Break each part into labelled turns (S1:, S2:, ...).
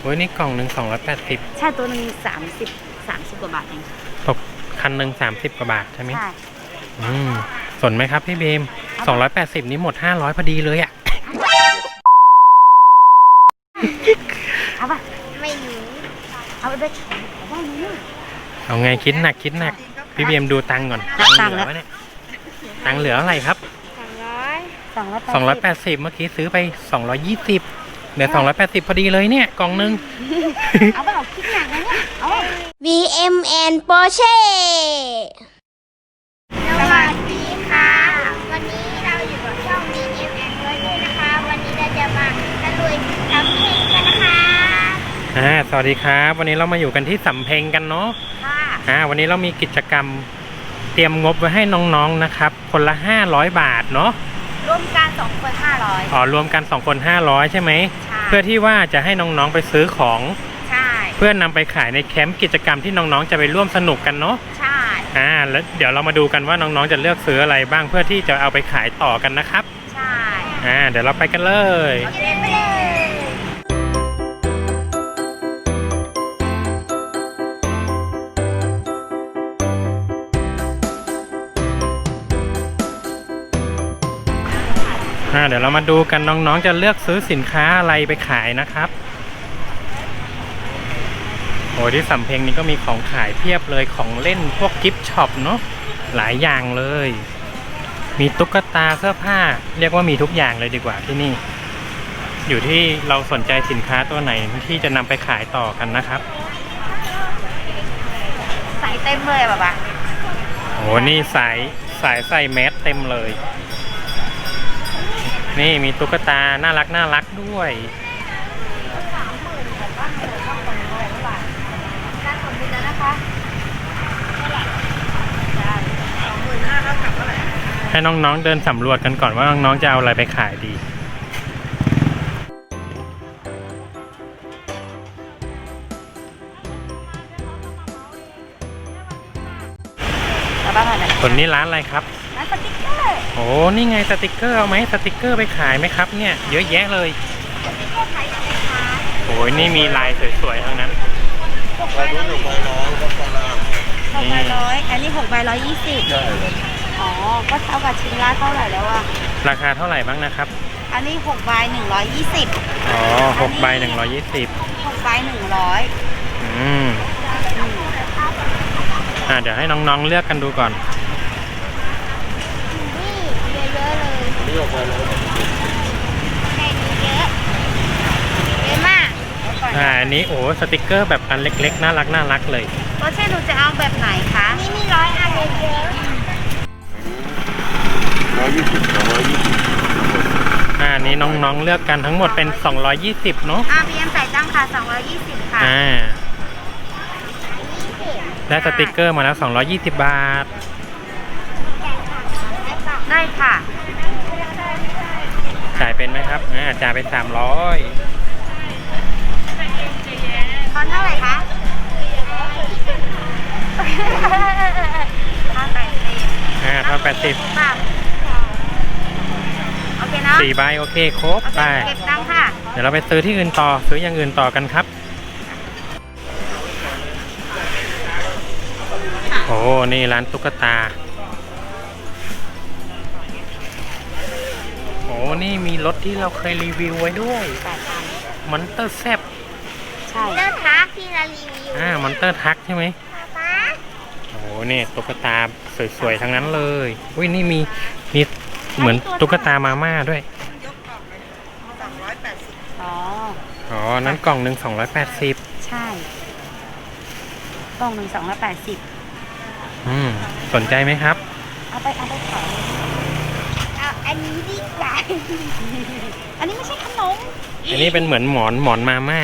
S1: โอ้ยนี่กล่องหนึ่ง280
S2: ใช่ตัวหนึ่ง30กว่าบาทเอง
S1: ตกคันหนึ่ง30 กว่าบาทใช่ไหม
S2: ใช่
S1: สนไหมครับพี่เบม280นี้หมด500พอดีเลยอ่ะ
S2: เอาป่ะไม่รู้เอาไปขายได้ไหม
S1: เอาไงคิดหนักพี่เบมดูตังค์ก่อนตังค์เหลือวะเนี่ยตังค์เหลืออะไรครับ280เมื่อกี้ซื้อไป220เหลือ280พอดีเลยเนี่ยกล่องนึง
S2: เอาไปเอาคิดหนักนะเนี่ยเอา
S3: VMN Porsche
S4: สวัสดีค่ะ วันนี้เราอยู่กับช่อง VMN Porsche นะคะ วันนี้เราจะมาตะลุยทำเพลงกันนะคะ
S1: สวัสดีครับวันนี้เรามาอยู่กันที่สำเพ็งกันเนาะ
S2: ค่ะ
S1: วันนี้เรามีกิจกรรมเตรียมงบไว้ให้น้องๆนะครับคนละ500บาทเนาะ
S2: ร่วมกัน2คน500
S1: รวมกัน2คน500ใช่ไหม
S2: ใช่
S1: เพื่อที่ว่าจะให้น้องๆไปซื้อของ
S2: ใช่
S1: เพื่อนนำไปขายในแคมป์กิจกรรมที่น้องๆจะไปร่วมสนุกกันเนาะ
S2: ใช่
S1: แล้วเดี๋ยวเรามาดูกันว่าน้องๆจะเลือกซื้ออะไรบ้างเพื่อที่จะเอาไปขายต่อกันนะครับ
S2: ใช่
S1: เดี๋ยวเราไปกันเลย
S2: โอเคไปเลย
S1: เดี๋ยวเรามาดูกันน้องๆจะเลือกซื้อสินค้าอะไรไปขายนะครับโอ้ที่สำเพ็งนี้ก็มีของขายเพียบเลยของเล่นพวกกิฟต์ช็อปเนาะหลายอย่างเลย มีตุ๊กตาเสื้อผ้าเรียกว่ามีทุกอย่างเลยดีกว่าที่นี่ อยู่ที่เราสนใจสินค้าตัวไหนที่จะนำไปขายต่อกันนะครับ
S2: ใส่เต็มเลยแบบว่า
S1: โอ้นี่สายใส่แมสเต็มเลย นี่มีตุ๊กตาน่ารักด้วย
S2: การสมบูรณ์แล้วนะคะ
S1: ให้น้องๆเดินสำรวจกันก่อนว่าน้องๆจะเอาอะไรไปขายดี
S2: แล้วบ้างอะไร
S1: ส่วนนี้ร้านอะไรครับ
S2: ร้านสติ๊กเกอร์
S1: โอ้นี่ไงสติกเกอร์เอาไหมสติกเกอร์ไปขายไหมครับเนี่ยเยอะแยะเลย
S2: สติ๊กเกอร์ขายยังไงคะ
S1: โอ้ยนี่มีลายสวยๆทั้งนั้น
S2: 6ใบ100อันนี้6ใบ120อ๋อก็เท่ากับชิ้นละเท่าไหร่แล้วอะ
S1: ราคาเท่าไหร่บ้างนะครับ
S2: อันนี้6ใบ120
S1: อ๋อ6ใบ120
S2: 6ใบ100
S1: เดี๋ยวให้น้องๆเลือกกันดูก่อน
S4: นี่เยอะๆเลยนี่ออกมาแล้วแค่นี้เยอะเยอะมาก
S1: อันนี้โอ้สติกเกอร์แบบอันเล็กๆน่ารักเลย
S2: โอเช่หนูจะเอาแบบไหนคะ
S4: นี่มี100อันเยอะ
S1: อันนี้น้องๆเลือกกันทั้งหมดเป็น220เนาะ
S2: บีเอ็มใส่ตั้งค่ะ220ค่ะ
S1: ได้สติกเกอร์มาแล้ว220บาท
S2: ได้ค่ะ
S1: จ่ายเป็นไหมครับจ่ายไป300
S2: ตอนเท่าไหร่คะ
S1: เท่า80
S2: โอเคเนาะ
S1: 4ใบโอเคครบ
S2: โอเค
S1: ไป
S2: เก็บตังค่ะ
S1: เดี๋ยวเราไปซื้อที่อื่นต่อซื้ออย่างอื่นต่อกันครับ โอ้นี่ร้านตุ๊กตาโอ้นี่มีรถที่เราเคยรีวิวไว้ด้วยมอนเตอร์แซบ
S2: ใช่
S4: ๆเลือกทักที่เรารีวิว
S1: มอนเตอร์ทักใช่ไหม
S4: ป๊า
S1: โอ้เนี่ยตุ๊กตาสวยๆทั้งนั้นเลยอุ้ยนี่มีเหมือนตุ๊กตามาม่าด้วย
S2: อ๋อ
S1: นั้นกล่องหนึ่ง280
S2: ใช่กล่องหนึ่ง280
S1: สนใจไหมครับ
S2: เอาไปขาย
S4: เอาอันนี้ดีกว่า
S2: อันนี้ไม่ใช่ขนม
S1: อันนี้เป็นเหมือนหมอนมาม่า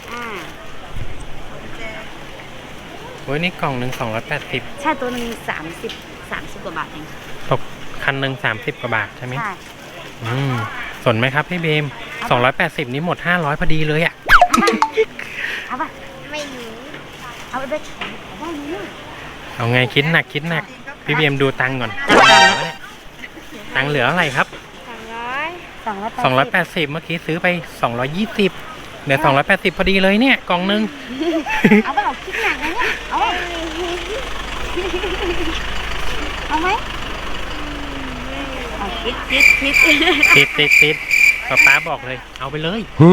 S1: โอ้ยนี่กล่องหนึ่ง280
S2: ใช่ตัวหนึ่ง30กว่าบาทเอง
S1: ตกคันหนึ่ง30 กว่าบาทใช่ไหม
S2: ใช่
S1: สนไหมครับพี่เบม280นี้หมด500พอดีเลยอ่ะ
S2: เอาป่ะ
S4: ไม่รู้
S2: เอาไปขายได้ไหมเนี่ย
S1: เอาไงคิดหนักพี่เบมดูตังค์ก่อนตังค์เหลืออะไรครับ
S4: 200
S1: 280เมื่อกี้ซื้อไป220เหเหลือ280พอดีเลยเนี่ยกล่องนึง
S2: เอาไปเอาคิดหนักนะเนี่ยเอาเอาไหมเอาคิด
S1: ติดป๊าบอกเลย เอาไปเลย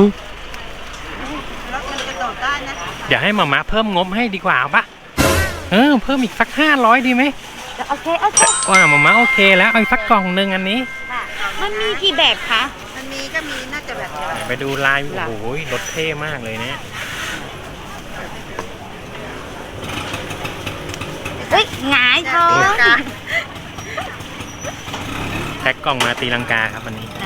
S2: แล้วมันจะโดดได้นะ
S1: เดี๋ยวให้มาม่าเพิ่มงบให้ดีกว่าเอาปะเพิ่มอีกสัก500ดีไหม
S2: โอเค
S1: ว่ามาม่าโอเคแล้วเอาอีกสักกล่องนึงอันนี้
S2: มันมีกี่แบบคะมันมีก็มีน่าจะแบบเดียว
S1: ไปดูลายโอ้โหรถเท่มากเลยเนี่ย
S2: เฮ้ยหงายท้อง
S1: แพ็คกล่องมาตีลังกาครับอันนี้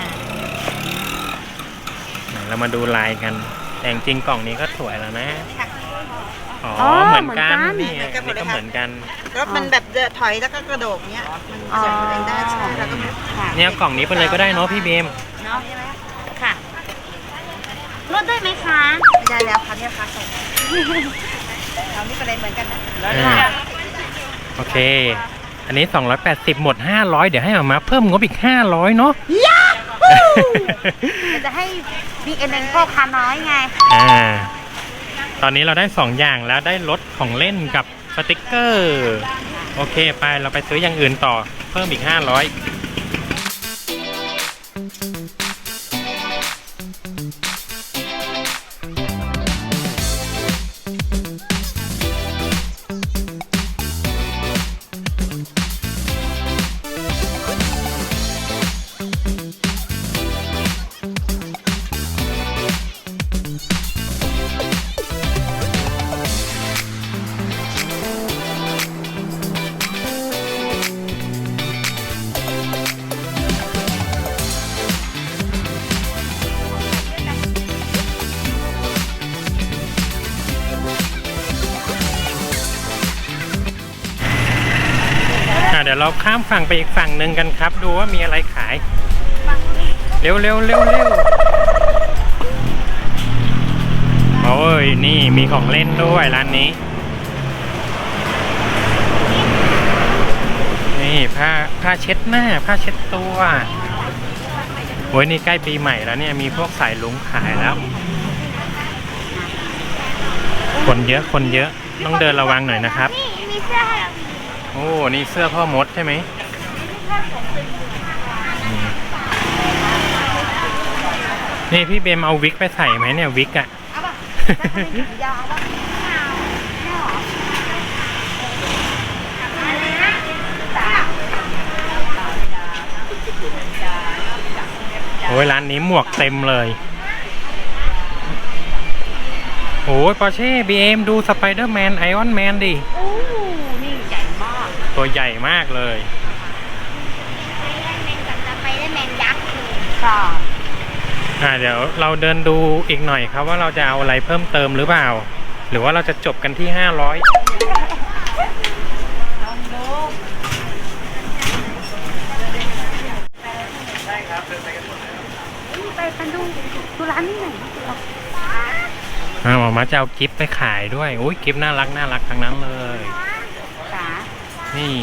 S1: เรามาดูลายกันแต่จริงกล่องนี้ก็สวยแล้วนะอ๋อเหมือนกันนี่อันนี้ก็เหมือนกัน
S2: รถมันแบบถอยแล้วก็กระโดดเนี้ยมันเสียบตัวเองได้ใช่ไหมแล้วก็
S1: เนี่ยกล่องนี้ไปเลยก็ได้เนาะพี่เบม
S2: เนาะค่ะลดได้ไหมคะไม่ได้แล้วค่ะเนี่ยค่ะส่งเรานี่ประเด็นเหมือนกันนะ
S1: โอเคอันนี้280หมด500เดี๋ยวให้มาเพิ่มงบอีก500เนาะ
S2: จะให้บีเอ็นพ่อค้าน้อยไง
S1: ตอนนี้เราได้2อย่างแล้วได้รถของเล่นกับสติกเกอร์โอเคไปเราไปซื้ออย่างอื่นต่อเพิ่มอีก500เดี๋ยวเราข้ามฝั่งไปอีกฝั่งหนึ่งกันครับดูว่ามีอะไรขายเร็วโอ้ยนี่มีของเล่นด้วยร้านนี้นี่ผ้าเช็ดหน้าผ้าเช็ดตัวโอ้ยนี่ใกล้ปีใหม่แล้วเนี่ยมีพวกสายลุงขายแล้วคนเยอะต้องเดินระวังหน่อยนะครับ
S4: มีเสื้อ
S1: โอ้นี่เสื้อพ่อมดใช่ไหมนี่พี่เบมเอาวิกไปใส่ไหมเนี่ยวิกอะโอ้ยร้านนี้หมวกเต็มเลยโอ้ยปอร์เช่บีเอ็มดูสไปเดอร์แมนไอออนแมนดิ
S2: นี่ใหญ่มาก
S1: ตัวใหญ่มากเลย
S4: สไปเดอร์แมนยักษ์
S2: ค่ะ
S1: เดี๋ยวเราเดินดูอีกหน่อยครับว่าเราจะเอาอะไรเพิ่มเติมหรือเปล่าหรือว่าเราจะจบกันที่500
S2: ไปดูร้านนี้หน่อย
S1: หมอมาจะเอากิฟต์ไปขายด้วยโอ้ยกิฟต์น่ารักทั้งนั้นเลยนี่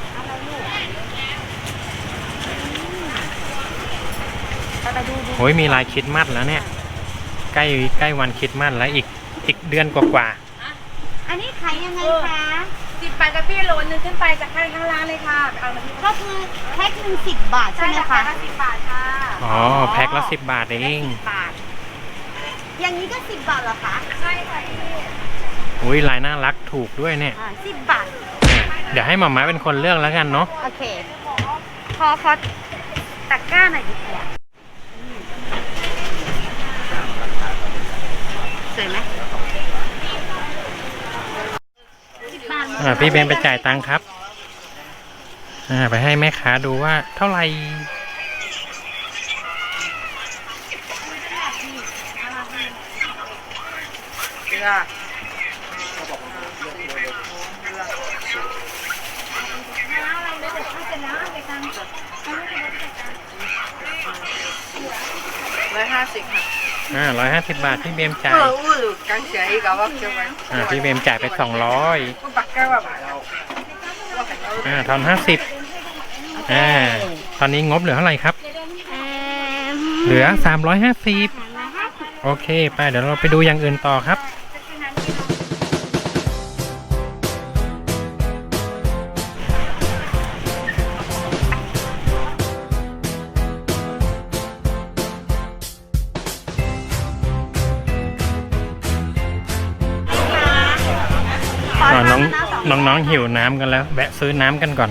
S1: โอ้ยมีลายคริสต์มาสแล้วเนี่ยใกล้วันคริสต์มาสแล้วอีกเดือนกว่า
S2: อันนี้ขายยังไงคะ
S3: 10 บาทกับพี่โหลนึงขึ้นไปจากข้างร้านเลยค่ะเอามาที่
S2: ก็คือแพ็คนึง10 บาทใช่ไหมคะ
S3: 10 บาทค่ะ
S1: อ๋อแพ็คละ10 บาทเอง
S2: อย่างนี้ก็10 บาทเหรอคะ
S3: ใช่ค่ะ
S1: อุ้ยลายน่ารักถูกด้วยเนี่ย
S2: 10 บาท
S1: เดี๋ยวให้หม่าม้าเป็นคนเลือกแล้วกันเนาะ
S2: โอเคขอตะกร้าหน่อยดีกว่าสวยไหม
S1: พี่เบนไปจ่ายตังค์ครับไปให้แม่ค้าดูว่าเท่าไหร่
S2: 150ค่ะ
S1: 150 บาทพี่เบมจ่ายพี่เบมจ่ายไป200ทอน50ตอนนี้งบเหลือเท่าไหร่ครับเหลือ350 โอเคไปเดี๋ยวเราไปดูอย่างอื่นต่อครับน้องหิวน้ำกันแล้วแวะซื้อน้ำกันก่อน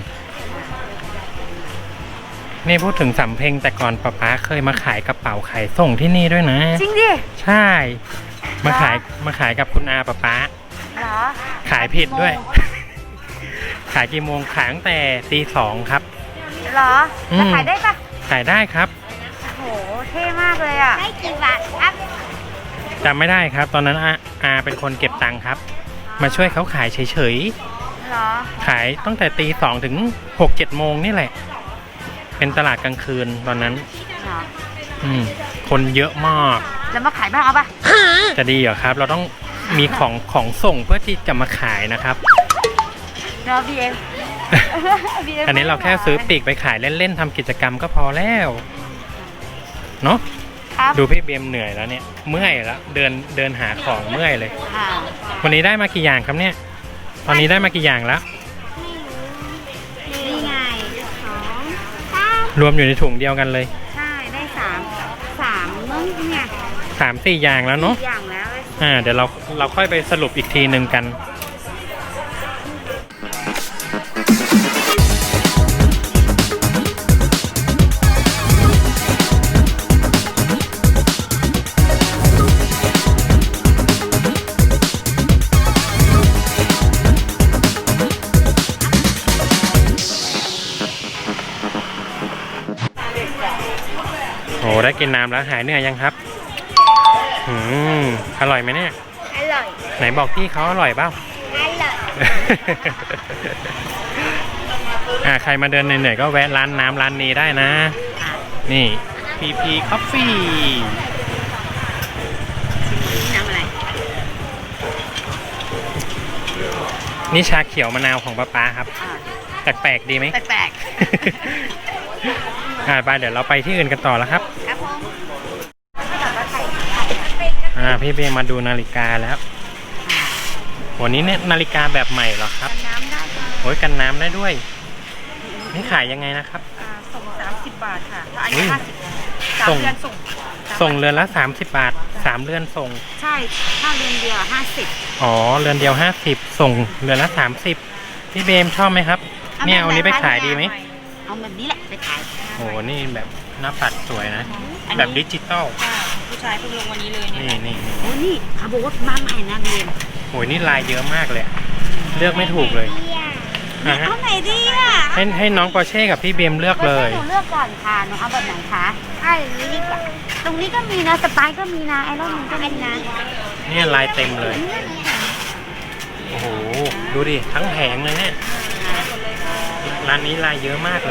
S1: นี่พูดถึงสำเพ็งแต่ก่อนป๊าเคยมาขายกระเป๋าขายส่งที่นี่ด้วยนะ
S2: จริงดิ
S1: ใช่มาขายกับคุณอาป๊า
S2: เหรอ
S1: ขายผิดด้วย ขายกี่โมงขายตั้งแต่ตี 2ครับ
S2: เหรอจะขายได้ปะ
S1: ขายได้ครับ
S2: โหเท่มากเลยอ่ะ
S4: ได้กี่บาทครับ
S1: จำไม่ได้ครับ ตอนนั้นอาเป็นคนเก็บตังค์ครับ มาช่วยเขาขายเฉย
S2: เหรอ
S1: ๆขายตั้งแต่ตี 2ถึง6-7 โมงนี่แหละ เป็นตลาดกลางคืนตอนนั้น
S2: เหรอ
S1: คนเยอะมาก
S2: แล้วมาขายบ้างเอาปะ
S1: จะดีเหรอครับ เราต้องมีของส่งเพื่อที่จะมาขายนะครับ
S2: เนาะบีเอ็ม
S1: อันนี้เราแค่ซื้อปีกไปขายเล่นๆทำกิจกรรมก็พอแล้วเนาะ
S2: ครับ
S1: ดูพี่เบียมเหนื่อยแล้วเนี่ยเมื่อยแล้วเดินหาของเมื่อยเลย
S2: ค่ะ
S1: วันนี้ได้มากี่อย่างครับเนี่ยตอนนี้ได้มากี่อย่างแล้ว
S2: นี่ไง2 3
S1: รวมอยู่ในถุงเดียวกันเลย
S2: ใช่ได้3มั้งเนี่ย
S1: 3-4 อย่างแล้วเนาะ
S2: อย่างแล้ว
S1: เดี๋ยวเราค่อยไปสรุปอีกทีหนึ่งกันโอ้ได้กินน้ำแล้วหายเหนื่อยยังครับอร่อยไหมเนี่ย
S4: อร่อย
S1: ไหนบอกพี่เขาอร่อยเปล่า
S4: อร่อย
S1: ใครมาเดินเหนื่อยๆก็แวะร้านน้ำร้านนี้ได้นะ นี่ PP Coffee
S2: น้ำอะไร
S1: นี่ชาเขียวมะนาวของป๊าครับ แปลกๆดีไหม
S2: แปลก
S1: ไปเดี๋ยวเราไปที่อื่นกันต่อแล้วครับ
S2: ๆครับผม
S1: พี่เบมาดูนาฬิกาแล้ววันนี้เนี่ยนาฬิกาแบบใหม่เหรอครับ
S2: น้ำได้ค่ะ
S1: โอ้ยกันน้ำได้ด้วย นี่ขายยังไงนะครับ
S2: ส่ง30 บาทค่ะถ้าอัน
S1: อุ้
S2: นี้
S1: ย
S2: 50
S1: ส่ง
S2: 3 เดือนส่ง
S1: ส่งเรือนละ30 บาท 3 เรือนส่ง
S2: ใช่ถ้าเดือนเดียว50
S1: อ๋อเรือนเดียว50ส่งเรือนละ30พี่เบมชอบไหมครับเนี่ยเอานี้ไปขายดีไหม
S2: เอาแบบนี้แหละไปขาย
S1: โอ้นี่แบบหน้าปัดสวยนะ
S2: อันนี้
S1: แบบดิจิตอล
S2: ผู้ชายเพิ่งลงวันนี้เลย
S1: นี่
S2: โอ้นี่เขาบอกว่ามาใหม่นะเรียน
S1: โอ้ยนี่ลายเยอะมากเลยอะเลือกไม่ถูกเลยอ่ะฮะ
S2: เอาไหนดีอ่ะ
S1: ให้น้องปอร์เช่กับพี่เบมเลือกเลย
S2: หนูเลือกก่อนค่ะหนูเอาแบบไหนคะ
S4: เอาอย่างนี้ดีกว่า
S2: ตรงนี้ก็มีนะสไปร์ก็มีนะไอรอนมันก็มีนะ
S1: เนี่ยลายเต็มเลย โอ้โห ดูดิ ทั้งแผงเลยเนี่ย ร้านนี้ลายเยอะมากเลย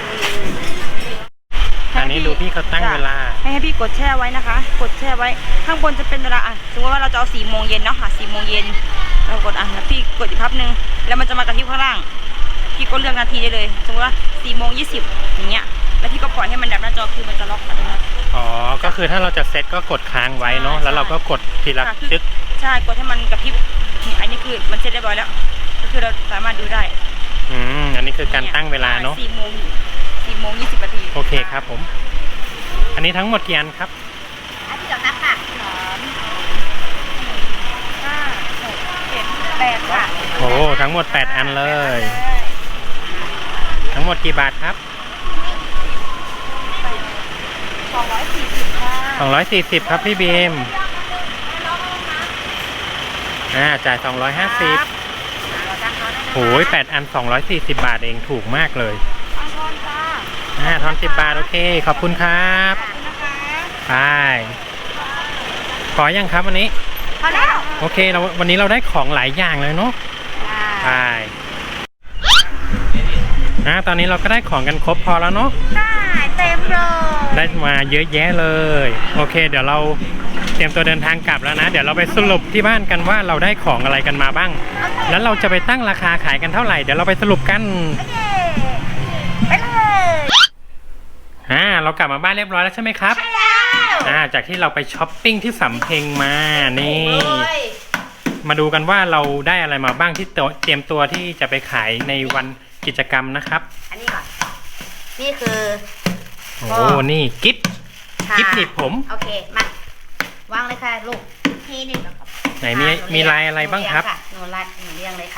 S1: อันนี้ดูพี่เขาตั้งเวลา
S3: ให้พี่กดแช่ไว้นะคะ กดแช่ไว้ข้างบนจะเป็นเวลาสมมติว่าเราจะเอา4 โมงเย็นเนาะค่ะ4 โมงเย็นเรากดแล้วพี่กดอีกพับนึงแล้วมันจะมากระพริบข้างล่างพี่ก็เลือกนาทีได้เลยสมมติว่า4 โมง 20อย่างเงี้ยแล้วพี่ก็ปล่อยให้มันดับหน้าจอคือมันจะล็อกอัตโนมัติ
S1: อ๋อ ก็คือถ้าเราจะเซตก็กดค้างไว้เนาะ แล้วเราก็กดทีละ
S3: ค่ะคือ
S1: จึ๊ก
S3: ใช่กดให้มันกระพริบนี่อันนี้คือมันเสร็จเรียบร้อยแล้ว ก็คือเราสามารถดูได้
S1: อันนี้คือการตั้งเวลาเนาะ
S3: 4 โมง 20 นาที
S1: โอเคครับผม อันนี้ทั้งหมดกี่อันครับ
S2: อันที่สองนับค่ะ
S3: 8 ค่ะ
S1: โอ้ทั้งหมด 8 อันเลย ทั้งหมดกี่บาทครับ
S3: 240 ค่ะ
S1: 240 ครับพี่บีมจ่าย250โอ้ย8 อัน 240 บาทเองถูกมากเลยทอน10 บาทโอเค ขอบคุณครับไปขอยังครับวันนี้
S2: พอแล้ว
S1: โอเควันนี้เราได้ของหลายอย่างเลยเนาะไปตอนนี้เราก็ได้ของกันครบพอแล้วเนาะ
S2: ได้เต็มเลย
S1: ได้มาเยอะแยะเลยโอเค เดี๋ยวเราเตรียมตัวเดินทางกลับแล้วนะ เดี๋ยวเราไปสรุปที่บ้านกันว่าเราได้ของอะไรกันมาบ้าง แล้วเราจะไปตั้งราคาขายกันเท่าไหร่เดี๋ยวเราไปสรุปกัน
S2: ไปเลย
S1: เรากลับมาบ้านเรียบร้อยแล้วใช่ไหมครับจากที่เราไปช้อปปิ้งที่สำเพ็งมานี่
S3: เลย
S1: มาดูกันว่าเราได้อะไรมาบ้างที่เตรียมตัวที่จะไปขายในวันกิจกรรมนะครับ
S2: อันนี้ก่อน นี่คือ
S1: โอ้นี่กิฟต์
S2: ค่ะ
S1: กิฟต์หนีบผม
S2: โอเค มาวางเลยค่ะลูกทีหนึ่งแล้วก็
S1: ไหนมีลายอะไรบ้างครับ
S2: หนูเรียงเลยค่ะ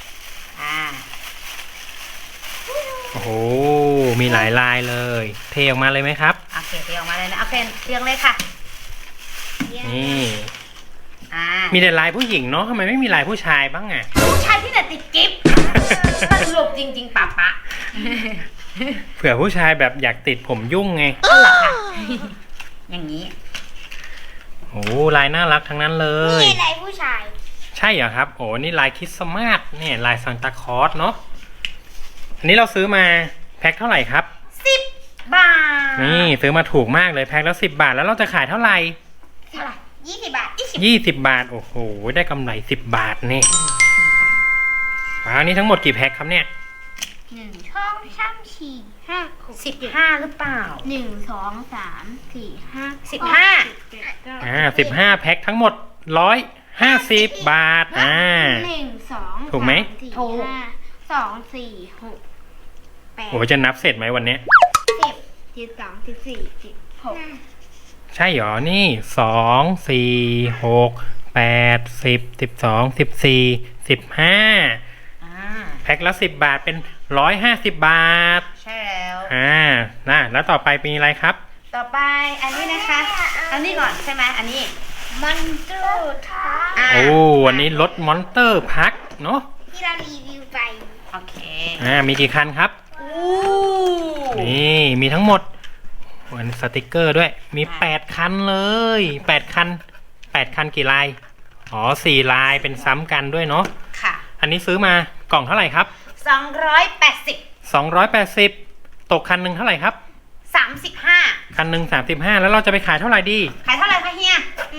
S1: โอ้โหมีหลายลายเลย เทออกมาเลยไหมครับ
S2: โอเคเรียงออกมาเลยนะโอเคเรียงเลยค่ะ
S1: นี่
S2: อ่า
S1: มีแต่ลายผู้หญิงเนาะทำไมไม่มีลายผู้ชายบ้างอ่ะ
S2: ผู้ชายที่ไหนติดกิฟต์สรุปจริงๆปะ
S1: เผื่อผู้ชายแบบอยากติดผมยุ่งไง
S2: ก็เหรอคะอย่างนี้
S1: โอ้ลายน่ารักทั้งนั้นเลย
S4: นี่อะไรผู้ชาย
S1: ใช่เหรอครับโอ้นี่ลายคริสต์มาสเนี่ยลายซานตาคลอสเนาะอันนี้เราซื้อมาแพ็คเท่าไหร่ครับ
S2: 10 บาท
S1: นี่ซื้อมาถูกมากเลยแพ็คแล้ว10 บาทแล้วเราจะขายเท่าไหร่
S4: เท่าไหร่20 บาท
S1: 20 บาทโอ้โหได้กำไร10 บาทนี่อันนี้ทั้งหมดกี่แพ็คครับเนี่ย
S4: 1 2 3 4 5 6
S2: 15 หรือเปล่า
S4: 1 2 3 4 5
S2: 15
S1: 15แพ็คทั้งหมด150 บาท
S4: 1 2
S1: ถูกไหม
S2: ถูก
S4: 2 4 6 8
S1: โอ้จะนับเสร็จไหมวันเนี้ย
S4: 10 12 14 16
S1: ใช่เหรอนี่2 4 6 8 10 12 14 15แพ็คละ10 บาทเป็น150 บาท
S2: ใช่แล้ว
S1: แล้วต่อไปมีอะไรครับ
S2: ต่อไปอันนี้นะคะ อันนี้ก่อนใช่ไหมอันนี้
S4: มันจูท้า
S2: อ่า
S1: โอ้วันนี้รถมอนเตอร์พักเนาะ
S4: ที่เรารีวิวไป
S2: โอเค
S1: มีกี่คันครับ
S2: อู้
S1: นี่มีทั้งหมดวันสติกเกอร์ด้วยมี8คันเลย8คันกี่ลายอ๋อ4ลายเป็นซ้ำกันด้วยเนาะ
S2: ค่ะ
S1: อันนี้ซื้อมากล่องเท่าไหร่ครับ
S2: 280
S1: 280ตกคันหนึ่งเท่าไหร่ครับ
S2: 35
S1: คันหนึ่ง35แล้วเราจะไปขายเท่าไหร่ดี
S2: ขายเท่าไหร่คะเฮีย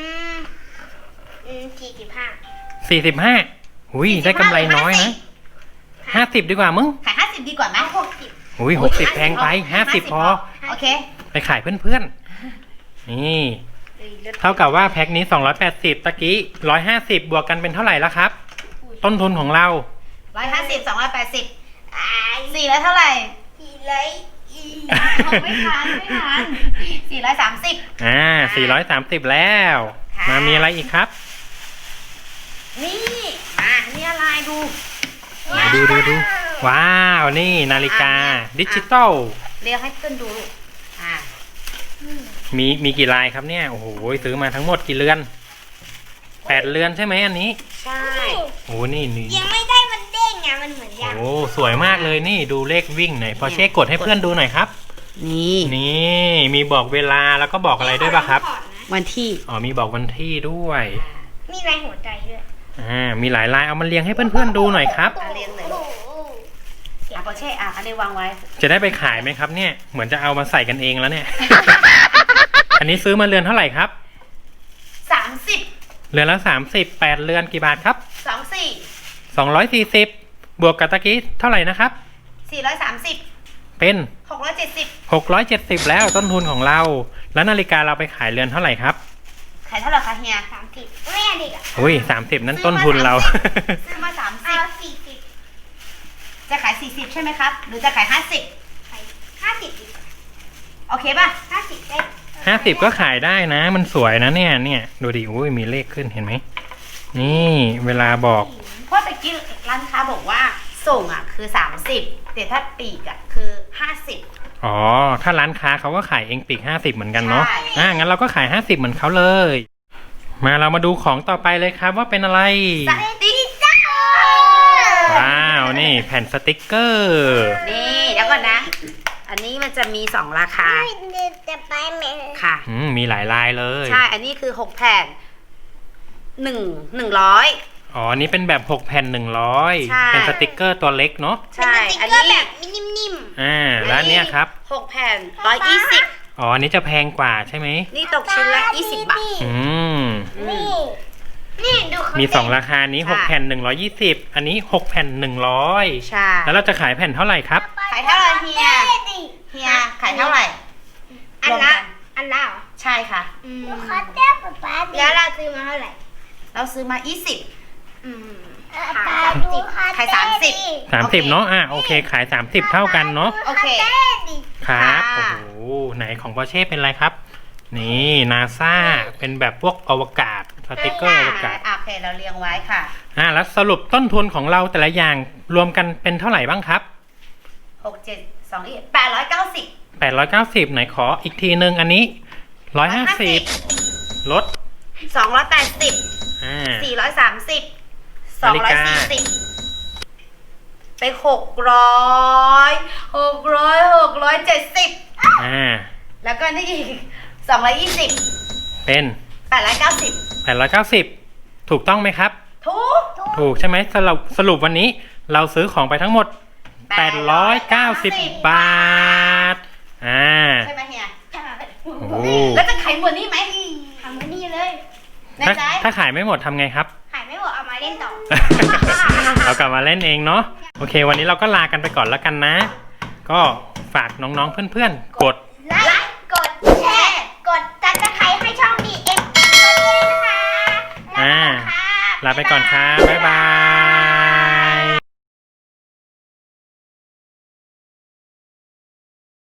S4: 45
S1: หุยได้กำไรน้อยนะ50ดีกว่ามึง
S2: ขาย50ดีกว่าไหม
S4: 60
S1: หุย60แพงไป50พอ
S2: โอเค
S1: ไปขายเพื่อนๆนี่เท่ากับว่าแพ็คนี้280ตะกี้150บวกกันเป็นเท่าไหร่แล้วครับ ต้นทุนของเรา
S2: 150 280 400เท่าไหร่ ไม่ทัน430
S1: 430แล้ว
S2: ค่ะ
S1: มามีอะไรอีกครับ
S2: นี่นี่อะไรดู
S1: ไหนดูว้าวนี่นาฬิกาดิจิตอล
S2: เรียกให้เพื่อนดูลูก
S1: มีกี่ลายครับเนี่ยโอ้โหซื้อมาทั้งหมดกี่เรือน8เรือนใช่ไหมอันนี้
S2: ใช่
S1: โอ้นี่
S4: ยังไม่ได้มันเด้งอ่ะมันเหมือนยัง
S1: โอ้สวยมากเลยนี่ดูเลขวิ่งหน่อยพอเช็คกดให้เพื่อนดูหน่อยครับ
S2: นี่
S1: นี่มีบอกเวลาแล้วก็บอกอะไรด้วยป่ะครับ
S2: วันที่
S1: อ๋อมีบอกวันที่ด้วย
S4: มีลายหัวใจด้วย
S1: มีหลายลายเอามาเรียงให้เพื่อนๆดูหน่อยครับ
S2: เรียงเลยลูกโอเคอันนี้วางไว้
S1: จะได้ไปขายไหมครับเนี่ยเหมือนจะเอามาใส่กันเองแล้วเนี่ย อันนี้ซื้อมาเรือนเท่าไหร่ครับ
S2: 30
S1: เรือนละ30 8เรือนกี่บาทครับ
S2: 24
S1: 240บวกกับตะกี้เท่าไหร่นะครับ
S2: 430
S1: เป็น
S2: 670
S1: 670แล้วต้นทุนของเรา แล้วนาฬิกาเราไปขายเรือนเท่าไหร่ครับ
S2: ขายเท่าไหร่คะเฮีย
S4: 30ไม่อันนี้อ่ะ
S1: อุ้ย30นั่นต้นทุนเรา
S2: ซื้อมา
S4: เอา
S2: 30จะขาย40ใช่ไหมครับ หรือจะขาย50
S4: 50ดีกว่า
S2: โอเคป่ะ
S4: 50ได้
S1: 50ก็ขายได้นะ มันสวยนะเนี่ยดูดิอุ้ยมีเลขขึ้นเห็นไหมนี่เวลาบอก
S2: เพราะตะกี้ร้านค้าบอกว่าส่งคือ30แต่ถ้าปีกคือ50
S1: อ๋อถ้าร้านค้าเขาก็ขายเองปีก50เหมือนกันเนาะ
S2: ใช่
S1: งั้นเราก็ขาย50เหมือนเขาเลย มาเรามาดูของต่อไปเลยครับว่าเป็นอะไร
S2: สติ๊กเกอร์
S1: ว้าวนี่แผ่นสติกเกอร์
S2: นี่เดี๋ยวก่อนนะ อันนี้มันจะมี2ราคา
S4: จะไปไหม
S2: ค่ะ
S1: มีหลายลายเลย
S2: ใช่ อันนี้คือ6แผ่น100
S1: อ๋ออันนี้เป็นแบบ6แผ่น
S2: ใช่
S1: 100เป็นสติกเกอร์ตัวเล็กเนาะ
S2: ใช่
S4: อั
S2: อั
S4: น
S2: น
S4: นี้
S2: นี้
S4: แบบนิ่ม
S1: แล้วอันเนี้ยครับ
S2: 6แผ่น120
S1: อ๋ออันนี้จะแพงกว่าใช่ไหม
S2: นี่ตกชิ้นละ20 บาท
S1: อืม
S4: ๆนี่ดูเขา
S1: มี2ราคานี้6แผ่น120อันนี้6แผ่น100
S2: ใช่
S1: แล้วเราจะขายแผ่นเท่าไหร่ครับ
S2: ขายเท่าไหร่เฮีย เฮียขายเท่าไหร่
S4: อัน
S2: รวม
S4: ละ
S2: กัน
S4: อันละเหรอ
S2: ใช่ค่ะ
S4: ลูกค้าแก้วป๊าแล้วเราซื้อมาเท่าไหร่
S2: เราซื้อมา20
S4: ขาย
S2: ขาย 30
S1: 30เนาะโอเคขาย30เท่ากันเนาะ
S2: โอเค
S1: ครับ
S2: ค่ะ
S1: โอ้โหไหนของปอร์เช่เป็นอะไรครับ นี่นาซาเป็นแบบพวกอวกาศสติกเกอร์อวกาศ
S2: โอเคเราเรียงไว้ค่ะ
S1: แล้วสรุปต้นทุนของเราแต่ละอย่างรวมกันเป็นเท่าไหร่บ้างครับ
S2: 6 7 2 890
S1: 890ไหนขออีกทีนึงอันนี้150ลด
S2: 280 430
S1: นาฬิกา
S2: 240ไป670 แล้วก็นี่อีก220
S1: เป็น
S2: 890
S1: ถูกต้องไหมครับ ถูกใช่ไหมสรุปวันนี้เราซื้อของไปทั้งหมด890 บาท
S2: ใช่ไหมเฮีย
S1: โอ้
S2: แล้วจะขายหมดนี่ไหม
S4: ทำไม่ดีเลย
S2: แน่ใจ
S1: ถ้าขายไม่หมดทำไงครับ
S4: ขายไม่หมดเอามาเล่นต่อ
S1: เรากลับมาเล่นเองเนาะโอเค วันนี้เราก็ลากันไปก่อนแล้วกันนะ ก็ฝากน้องๆเพื่อนๆกด
S4: ไลค์กดแชร์กดซับสไครต์ให้ช่อง BM ด้วยนะคะ
S1: ลาไปก่อนครับบ๊ายบาย